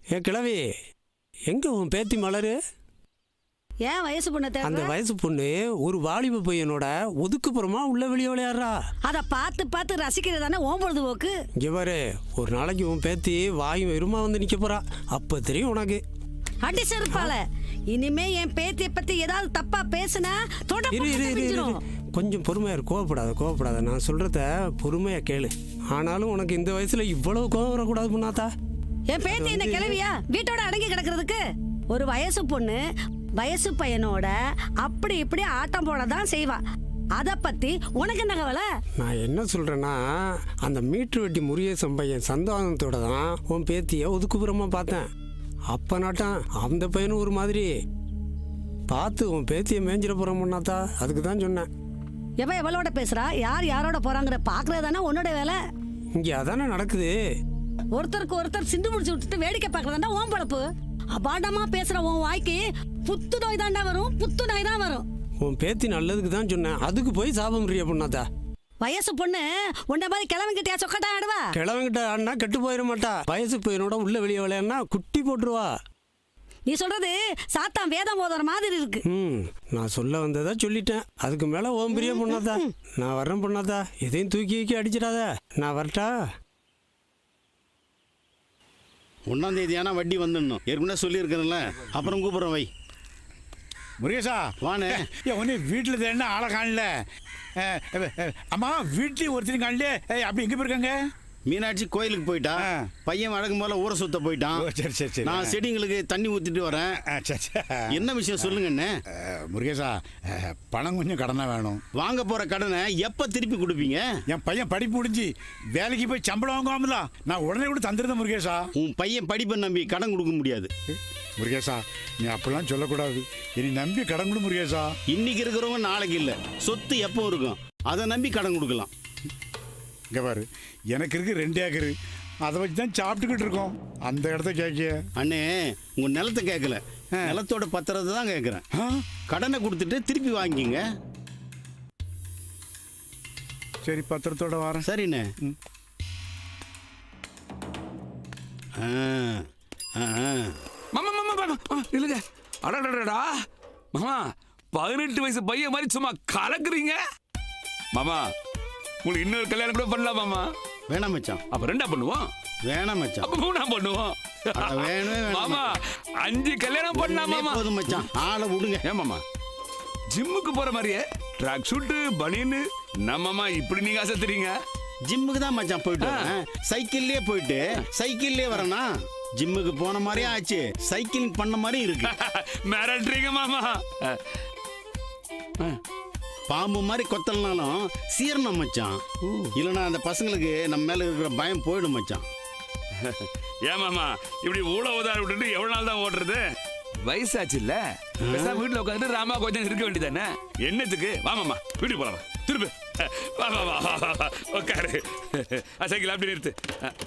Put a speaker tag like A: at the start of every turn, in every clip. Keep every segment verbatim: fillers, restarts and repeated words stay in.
A: ஏ கிழவி, எங்க உன் பேத்தி மலரு?
B: ஏன் வயசு பொண்ணு தேவை?
A: அந்த வயசு பொண்ணு ஒரு வாலிப பையனோட ஒதுக்குப்புறமா உள்ள வெளியே விளையாடுறா.
B: அதை பார்த்து பார்த்து ரசிக்கிறது தானே ஓம் பொழுதுபோக்கு.
A: இங்க பாரு, ஒரு நாளைக்கு உன் பேத்தி வாயும் வெறுமா வந்து நிக்க போறா. அப்ப தெரியும் உனக்கு.
B: அடி செருப்பால. இனிமே என் பேத்தியை பத்தி ஏதாவது தப்பா பேசுனா
A: கொஞ்சம் பொறுமையா இரு. கோவப்படாத கோவப்படாத நான் சொல்றத பொறுமையா கேளு. ஆனாலும் உனக்கு இந்த வயசுல இவ்வளவு கோவம் வரக்கூடாது புண்ணாத்தா.
B: என் பேத்தி என்ன கிளவியா வீட்டோட அடங்கி கிடக்கிறதுக்கு? ஒரு வயசு பொண்ணு வயசு பையனோட அப்படி இப்படி ஆட்டம் போடதான் செய்வா. அத பத்தி உனக்கு என்ன கவலை?
A: நான் என்ன சொல்றேன்னா, அந்த மீட்டர் வெட்டி முருகேசன் பையன் சந்தானத்தோட தான் உன் பேத்திய ஒதுக்குப்புறமா பார்த்தேன். அப்ப நாட்டான் அந்த பையனும் ஒரு மாதிரி பார்த்து உன் பேத்திய மேஞ்சிட போறான் முன்னாத்தா. அதுக்கு தான் சொன்னேன்.
B: எவ எவளோட பேசுறா, யார் யாரோட போறாங்கிற பாக்குறது தானே உன்னோட வேலை.
A: இங்க அதானே நடக்குது.
B: ஒருத்தருக்கு ஒருத்தர் சிந்து முடிச்சு விட்டுட்டு வேடிக்கை பாக்குறதா ஓம் பழப்பு. அபாண்டமா பேசுற உன் வாய்க்கு புத்து நோய் தாண்டா வரும், புத்து நோய் தான் வரும்.
A: உன் பேத்தி நல்லதுக்கு தான் சொன்னேன், அதுக்கு போய் சாபம் பிரியா பொண்ணாத்தா.
B: வயசு பொண்ணு உன்ன மாதிரி கிழவங்கிட்டயா சொக்கட்டா ஆடுவா?
A: கிழவங்கிட்ட ஆடினா கெட்டு போயிட மாட்டா. வயசு பையனோட உள்ள வெளியே விளையாடுனா குட்டி போட்டுருவா.
B: நீ சொல்றது சாத்தான் வேதம் போதுற மாதிரி இருக்கு.
A: ம் நான் சொல்ல வந்ததா சொல்லிட்டேன். அதுக்கு மேல ஓம் பிரியா பொண்ணாத்தா. நான் வர்றேன் பொண்ணாத்தா. எதையும் தூக்கி வைக்க அடிச்சிடாத. நான் வரட்டா?
C: ஒன்றாம் தேதி ஆனால் வட்டி வந்துடணும். ஏற்கனவே சொல்லியிருக்கிறேன்ல. அப்புறம் கூப்பிட்றேன் வை.
D: முருகேசா
C: வானே.
D: ஏன் ஒன்று வீட்டில் தேடினா ஆளை காணல. அம்மா வீட்லேயும் ஒருத்தரும் காணல. அப்படி எங்கே போயிருக்காங்க?
C: மீனாட்சி கோயிலுக்கு போயிட்டா. பையன் வழக்கம் போல ஊரை சுத்த போயிட்டான்.
D: சரி சரி சரி.
C: நான் செடிங்களுக்கு தண்ணி ஊற்றிட்டு வரேன்.
D: சரி சரி.
C: என்ன விஷயம் சொல்லுங்கண்ணே.
D: முருகேசா, பணம் கொஞ்சம் கடனாக வேணும்.
C: வாங்க போகிற கடனை எப்போ திருப்பி கொடுப்பீங்க?
D: என் பையன் படிப்பு முடிஞ்சு வேலைக்கு போய் சம்பளம் வாங்குவாங்களா, நான் உடனே கூட தந்துருந்தேன் முருகேசா.
C: உன் பையன் படிப்பை நம்பி கடன் கொடுக்க முடியாது
D: முருகேசா. நீ அப்படிலாம் சொல்லக்கூடாது. இனி நம்பி கடன் கொடு முருகேசா.
C: இன்னைக்கு இருக்கிறவங்க நாளைக்கு இல்லை. சொத்து எப்போ இருக்கும், அதை நம்பி கடன் கொடுக்கலாம்.
D: இங்கே பாரு, எனக்கு இருக்கு ரெண்டு ஏக்கரு. அதை வச்சு தான் சாப்பிட்டுக்கிட்டு இருக்கோம். அந்த இடத்த கேட்க
C: அண்ணே, உங்க நிலத்தை கேட்கல, நிலத்தோட பத்திரத்தை தான் கேட்குறேன். கடனை கொடுத்துட்டு திருப்பி வாங்கிங்க.
D: சரி, பத்திரத்தோட வரேன்.
C: சரிண்ணே.
E: மாமா மாமா மாமா இல்லைங்க. அடடடா மாமா, பதினெட்டு வயசு பையன் மாதிரி சும்மா கலக்குறீங்க மாமா. உங்களுக்கு இன்னொரு கல்யாணம் கூட பண்ணலாம் மாமா.
C: வேணாம் மச்சான்.
E: அப்ப ரெண்டா பண்ணுவோம்.
C: வேணாம் மச்சான்.
E: அப்ப மூணா பண்ணுவோம்.
C: வேணும்
E: மாமா, அஞ்சு கல்யாணம் பண்ணலாம் மாமா.
C: போதும் மச்சான், ஆளை விடுங்க.
E: ஏன் மாமா, ஜிம்முக்கு போற மாதிரியே ட்ராக் ஷூட்டு பனியன்னு நம்மம்மா இப்படி நீங்க ஆசைத்துறீங்க?
C: ஜிம்முக்கு தான் மச்சான் போயிட்டு வரேன். சைக்கிள்லயே போயிட்டு சைக்கிள்லயே வரேனா? ஜிம்முக்கு போன மாதிரியே ஆச்சு, சைக்கிளிங் பண்ண மாதிரி இருக்கு.
E: மிரட்டுறீங்க மாமா.
C: பாம்பு மாதிரி கொத்தலனாலும் சீரணம் மச்சான். இல்லைன்னா அந்த பசங்களுக்கு நம்ம மேல இருக்கிற பயம் போயிடும் மச்சான்.
E: ஏன் மாமா இப்படி ஊழ உதார விட்டுட்டு எவ்வளவு நாள் தான் ஓடுறது? வயசாச்சு இல்ல, வீட்டுல உட்காந்து ராமா கொஞ்சம் இருக்க வேண்டியதானே. என்னத்துக்கு? வா மாமா, வீட்டுக்கு போலாம். திருப்பி வா வா வா உட்காரு. சைக்கிள் அப்படி நிறுத்து.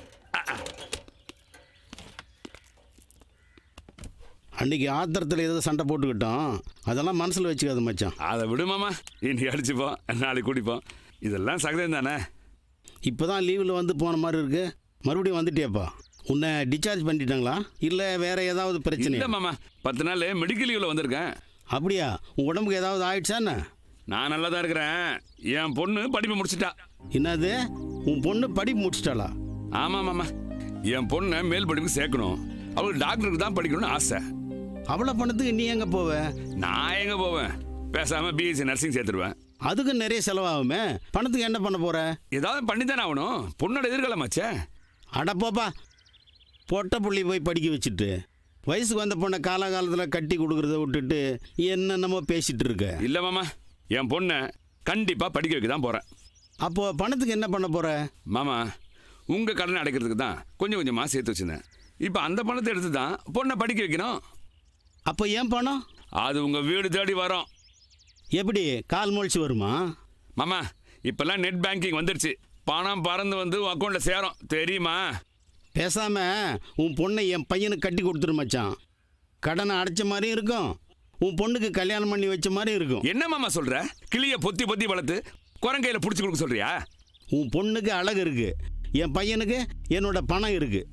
C: அன்னைக்கு ஆத்திரத்தில் ஏதோ சண்டை போட்டுக்கிட்டோம், அதெல்லாம் மனசில் வச்சுக்காது மச்சான்.
E: அதை விடுமாமா, இன்னைக்கு அடிச்சுப்போம், நாளைக்கு குடிப்போம், இதெல்லாம் சகதம் தானே.
C: இப்போ தான் லீவில் வந்து போன மாதிரி இருக்கு. மறுபடியும் வந்துட்டியாப்பா? உன்னை டிஸ்சார்ஜ் பண்ணிட்டாங்களா இல்லை வேற ஏதாவது பிரச்சனை?
E: இல்லை மாமா, பத்து நாள் மெடிக்கல் லீவில் வந்திருக்கேன்.
C: அப்படியா? உன் உடம்புக்கு ஏதாவது ஆயிடுச்சா என்ன?
E: நான் நல்லா தான் இருக்கிறேன். என் பொண்ணு படிப்பு முடிச்சிட்டா.
C: என்னது, உன் பொண்ணு படிப்பு முடிச்சிட்டாளா?
E: ஆமாம் மாமா, என் பொண்ணை மேல் படிப்புக்கு சேர்க்கணும். அவளுக்கு டாக்டருக்கு தான் படிக்கணும்னு ஆசை.
C: அவ்வளோ பணத்துக்கு நீ எங்கே போவ?
E: நான் எங்கே போவேன், பேசாமல் பிஎஸ்சி நர்சிங் சேர்த்துருவேன்.
C: அதுக்கு நிறைய செலவாகுமே. பணத்துக்கு என்ன பண்ண போற?
E: ஏதாவது பண்ணி தானே ஆகணும், பொண்ணோட எதிர்காலமாச்சே.
C: அடப்போப்பா, பொட்டை புள்ளி போய் படிக்க வச்சுட்டு வயசுக்கு வந்த பொண்ணை காலகாலத்தில் கட்டி கொடுக்குறத விட்டுட்டு என்னென்னமோ பேசிட்டு இருக்க.
E: இல்லை மாமா, என் பொண்ணை கண்டிப்பாக படிக்க வைக்க தான் போகிறேன்.
C: அப்போது பணத்துக்கு என்ன பண்ண போற?
E: மாமா, உங்கள் கடனை அடைக்கிறதுக்கு தான் கொஞ்சம் கொஞ்சமாக சேர்த்து வச்சுருந்தேன். இப்போ அந்த பணத்தை எடுத்து தான் பொண்ணை படிக்க வைக்கணும்.
C: அப்போ ஏன் பணம்?
E: அது உங்கள் வீடு தேடி வரும்.
C: எப்படி, கால் முளைச்சி வருமா?
E: மாமா, இப்போல்லாம் நெட் பேங்கிங் வந்துடுச்சு. பணம் பறந்து வந்து உன் அக்கௌண்ட்டில் சேரும், தெரியுமா?
C: பேசாம உன் பொண்ணை என் பையனுக்கு கட்டி கொடுத்துரு மச்சான். கடனை அடைச்ச மாதிரியும் இருக்கும், உன் பொண்ணுக்கு கல்யாணம் பண்ணி வச்ச மாதிரி இருக்கும்.
E: என்ன மாமா சொல்கிற? கிளியை பொத்தி பொத்தி வளர்த்து குரங்கையில் பிடிச்சி கொடுக்க சொல்கிறியா?
C: உன் பொண்ணுக்கு அழகு இருக்கு, என் பையனுக்கு என்னோட பணம் இருக்கு.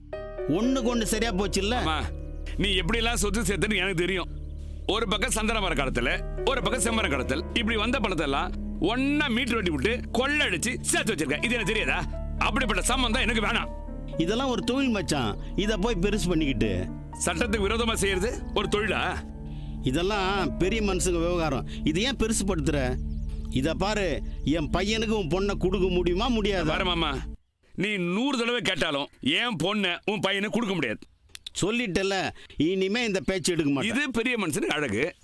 C: ஒண்ணுக்கு ஒண்ணு சரியா போச்சு இல்ல?
E: அம்மா, நீ எப்படி எல்லாம் சொத்து சேர்த்துன்னு எனக்கு தெரியும். ஒரு பக்கம் சந்தன மர கடத்தல், ஒரு பக்கம் செம்மர கடத்தல், இப்படி வந்த பணத்தை எல்லாம் ஒன்னா மீட்டர் வெட்டி விட்டு கொள்ளடிச்சு சேர்த்து வச்சிருக்க. இது எனக்கு தெரியாதா? அப்படிப்பட்ட சம்பந்தம் எனக்கு வேணாம்.
C: இதெல்லாம் ஒரு தொழில் மச்சான், இத போய் பெருசு பண்ணிக்கிட்டு
E: சட்டத்துக்கு விரோதமா செய்யறது ஒரு தொழிலா?
C: இதெல்லாம் பெரிய மனுஷங்க விவகாரம். இது ஏன் பெருசுப்படுத்துற? இத பாரு, என் பையனுக்கு உன் பொண்ணை கொடுக்க முடியுமா முடியாது?
E: பாரு மாமா, நீ நூறு தடவை கேட்டாலும் என் பொண்ணை உன் பையனை கொடுக்க முடியாது.
C: சொல்லிட்டல, இனிமே இந்த பேச்சு எடுக்க மாட்டேன்.
E: இது பெரிய மனுஷனுக்கு அழகு.